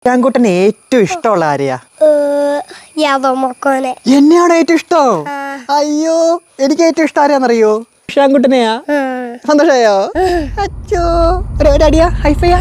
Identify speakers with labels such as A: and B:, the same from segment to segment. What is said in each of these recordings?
A: ഇഷാൻകുട്ടന് ഏറ്റവും ഇഷ്ടമുള്ള ആരെയാ? എന്നെയാണോ ഏറ്റവും ഇഷ്ടം? അയ്യോ, എനിക്ക് ഏറ്റവും ഇഷ്ടം ആരെയാന്നറിയോ? ഇഷാൻകുട്ടനെയാ. സന്തോഷായോ? അച്ചോ, ഒരടിയാ, ഹൈഫൈ.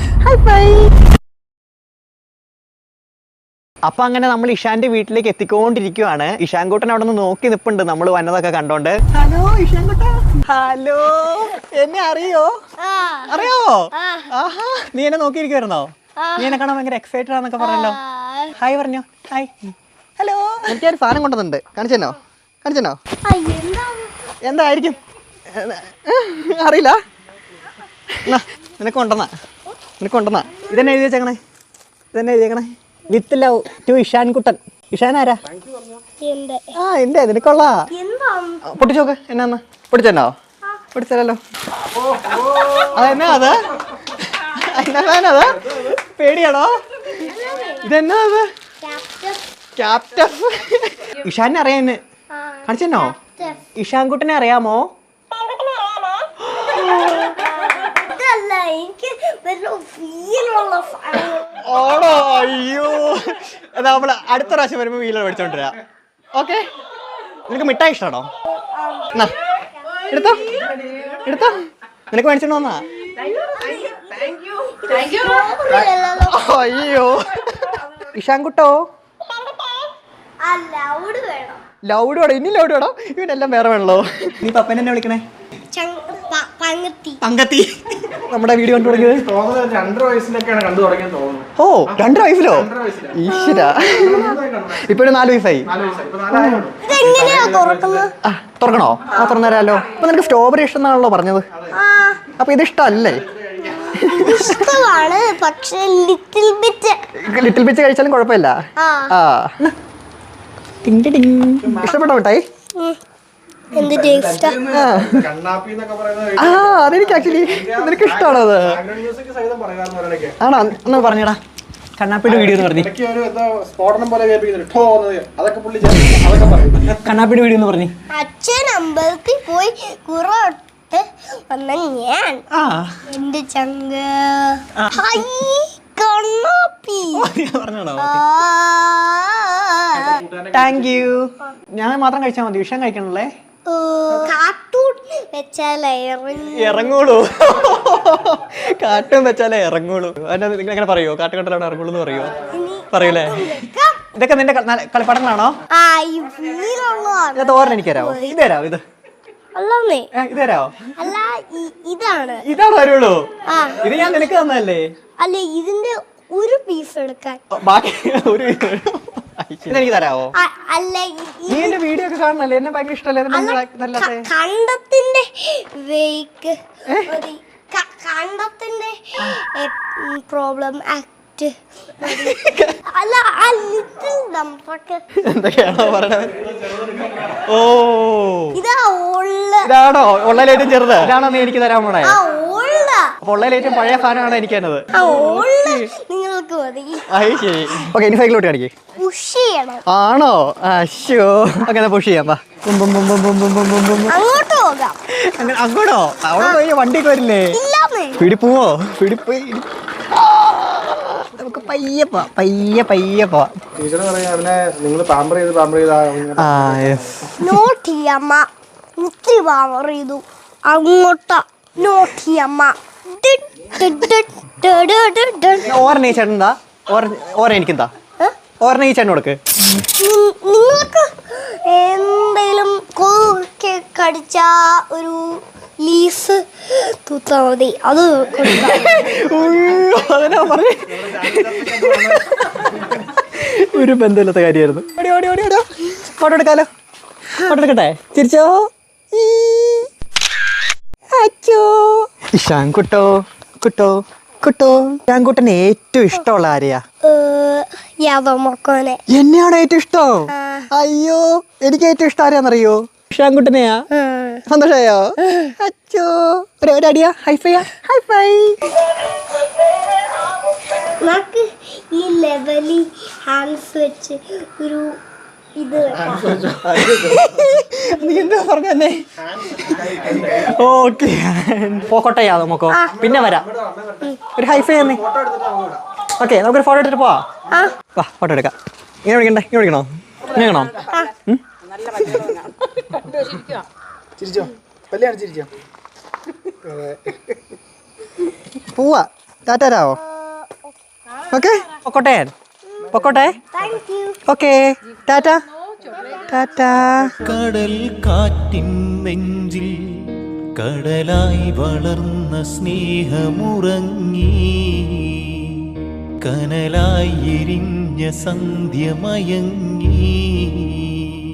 A: അപ്പൊ അങ്ങനെ നമ്മൾ ഇഷാന്റെ വീട്ടിലേക്ക് എത്തിക്കൊണ്ടിരിക്കുവാണ്. ഇഷാൻകുട്ടൻ അവിടെ നിന്ന് നോക്കി നിപ്പുണ്ട് നമ്മൾ വന്നതൊക്കെ കണ്ടോണ്ട്. ഹലോ ഇഷാൻകുട്ട. ഹലോ, എന്നെ അറിയോ? അറിയാവോ? ആഹാ, നീ എന്നെ നോക്കിയിരിക്കുവായിരുന്നോ? നീ എന്നെ കാണാൻ ഭയങ്കര എക്സൈറ്റഡ് ആണെന്നൊക്കെ പറഞ്ഞല്ലോ. ഹായ് പറഞ്ഞോ. ഹായ്. ഹലോ, എനിക്കൊരു സാധനം കൊണ്ടുവന്നുണ്ട്. കാണിച്ചെന്നോ? എന്തായിരിക്കും അറിയില്ല. നിനക്ക് കൊണ്ടുവന്നാ. ഇതെന്നെ എഴുതി വെച്ചേക്കണേ. വിത്ത് ലവ് ടു ഇഷാൻകുട്ടൻ. ഇഷാൻ ആരാ? എന്റെ നിനക്കൊള്ള പൊട്ടിച്ചോക്ക്. എന്നാന്ന് പൊട്ടിച്ചോ? പൊട്ടിച്ചല്ലോ. അതെന്നാ അത്? അത് പേടിയാണോ? ഇതെന്നാ അത്? ക്യാപ്റ്റഫ്. ഇഷാനെ അറിയാന്ന് കാണിച്ചെന്നോ? ഇഷാൻകുട്ടനെ അറിയാമോ? ഓണോ? അയ്യോ, എന്നാ നമ്മള് അടുത്ത പ്രാവശ്യം വരുമ്പോ വീലർ മേടിച്ചോണ്ടിരാ. ഓക്കെ. നിനക്ക് മിഠായി ഇഷ്ടമാണോ? എടുത്തോ. നിനക്ക് മേടിച്ചോണ്ട് വന്നാ. അയ്യോ ഇഷാൻകുട്ടോ, ലൗഡ് വേണോ? ഇനി ലൗഡ് വേണോ? ഇവനെല്ലാം വേറെ വേണല്ലോ. നീ പപ്പനെ എന്നെ വിളിക്കണേ പങ്കത്തി. നമ്മുടെ വീഡിയോ കണ്ടു തുടങ്ങിയത്
B: 2 വയസ്സിലൊക്കെയാണ് കണ്ടു തുടങ്ങിയത് തോന്നുന്നു.
A: ഓ, 2 വയസ്സിലോ? ഈശ്വര, ഇപ്പൊ 4 വയസ്സായി. തുറക്കണോ? തുറന്നേരാലോ. അപ്പൊ നിനക്ക് സ്ട്രോബെറി ഇഷ്ടം എന്നാണല്ലോ പറഞ്ഞത്. അപ്പൊ ഇത് ഇഷ്ടമല്ലേ? ലിറ്റിൽ ബിറ്റ് കഴിച്ചാലും കുഴപ്പമില്ല. ഇഷ്ടപ്പെട്ടോ മിഠായി? അതെനിക്ക് ആക്ച്വലി നിനക്ക് ഇഷ്ടമാണോ അത്? ആണോ? എന്നാ പറഞ്ഞടാ, കണ്ണാപ്പിയുടെ വീഡിയോ എന്ന് പറഞ്ഞു. കണ്ണാപ്പിയുടെ വീഡിയോ എന്ന് പറഞ്ഞു.
C: അച്ഛൻ അമ്പലത്തിൽ പോയി ഞാൻ എന്റെ ചങ്ക
A: താങ്ക് യു. ഞാൻ മാത്രം കഴിച്ചാൽ മതി, വിഷം കഴിക്കണല്ലേ?
C: കാർട്ടൂൺ വെച്ചാലേ
A: ഇറങ്ങുള്ളൂ. കാർട്ടൂൺ വെച്ചാലേ ഇറങ്ങുള്ളൂ. നിങ്ങൾ എങ്ങനെ പറയോ? കാർട്ടൂൺ കണ്ടാലാണ് ഇറങ്ങുള്ളൂ എന്ന് പറയൂലേ? ഇതൊക്കെ നിന്റെ കളിപ്പാടങ്ങളാണോ? തോരൻ എനിക്ക് തരാമോ? ഇത് തരാമോ? ഇത് തരാമോ? ഇതാണോ വരുള്ളൂ? ഇത് ഞാൻ നിനക്ക് തന്നല്ലേ?
C: അല്ല, ഇതിന്റെ ഒരു പീസ് എടുക്കാൻ.
A: ബാക്കി ഒരു ഇതെനിക്ക് തരാമോ?
C: അല്ല,
A: നീ എന്റെ വീഡിയോ ഒക്കെ കാണണല്ലേ? എന്നെ ഭയങ്കര ഇഷ്ടമല്ലേ?
C: കണ്ടത്തിന്റെ വേക്ക് കണ്ടത്തിന്റെ പ്രോബ്ലം ആക്ട്. അല്ല,
A: എന്തൊക്കെയാണോ പറയണത്? ഓ,
C: ഇതാണോ
A: ഉള്ളതിലേറ്റവും ചെറുത്? ഇതാണോ നീ എനിക്ക് തരാൻ പോണേ? അപ്പൊ ഉള്ളതിലേറ്റവും പഴയ സാധനമാണ് എനിക്ക് തന്നത്.
C: നിങ്ങൾക്ക് മതി.
A: ശരി. ഓക്കെ, ഇനി സൈക്കിളോട്ട് കാണിക്കേ. ആണോ? അശ്ശോ, അങ്ങനെ പുഷ് ചെയ്യാം. അങ്ങോട്ടോ? അവിടെ പോയി വണ്ടിയൊക്കെ വരില്ലേ? പിടിപ്പോവോ? പിടിപ്പോയി നമുക്ക് പയ്യെ പോവാം. ഓരനെ ചേട്ടനെന്താ? ഓരനെ എനിക്കെന്താ? ഓരനെ ഈ ചേട്ടൻ കൊടുക്ക്.
C: നിങ്ങൾക്ക് എന്തെങ്കിലും കടിച്ച ഒരു ലീസ് തൂത്താ മതി, അത്
A: ഒരു ബന്ധമില്ലാത്ത കാര്യമായിരുന്നു. ഫോട്ടോ എടുക്കാലോ? ഫോട്ടോ എടുക്കട്ടെ? ചിരിച്ചോ? അച്ചോ. ഇഷാൻകുട്ടോ, ഇഷാൻകുട്ടന് ഏറ്റവും ഇഷ്ടമുള്ള ആരെയാ? എന്നെയാണോ ഏറ്റവും ഇഷ്ടം? അയ്യോ, എനിക്ക് ഏറ്റവും ഇഷ്ടം ആരെയാന്നറിയോ? ഇഷാൻകുട്ടനെയാ. സന്തോഷായോ? അച്ചോ, ഒരടിയാ, ഹൈഫൈ.
C: നമുക്ക് ഈ ലെവലി ഹാൻഡ്സ് വെച്ച് ഒരു ഇത്
A: നീ എന്താ പറഞ്ഞേ? ഓക്കെ, പോക്കോട്ടെ നമുക്കോ? പിന്നെ വരാം. ഒരു ഹൈഫൈ തന്നെ. ഓക്കെ നമുക്കൊരു ഫോട്ടോ എടുത്തിട്ട് പോവാ. വാ ഫോട്ടോ എടുക്കാം. ഇങ്ങനെ വിളിക്കണ്ടേ? ഇങ്ങനെ വിളിക്കണോ? ഇങ്ങനെ വേണോ?
B: ചിരിച്ചോ, കല്യാണം ചിരിച്ചോ.
A: പോവാ. ടാറ്റാരാവോ? ഓക്കെ പൊക്കോട്ടെ പൊക്കോട്ടെ. Okay tata tata.
D: കടൽ കാറ്റിൻ നെഞ്ചിൽ കടലായി വളർന്ന സ്നേഹമുറങ്ങി, കനലായി എരിഞ്ഞ സന്ധ്യമയങ്ങി.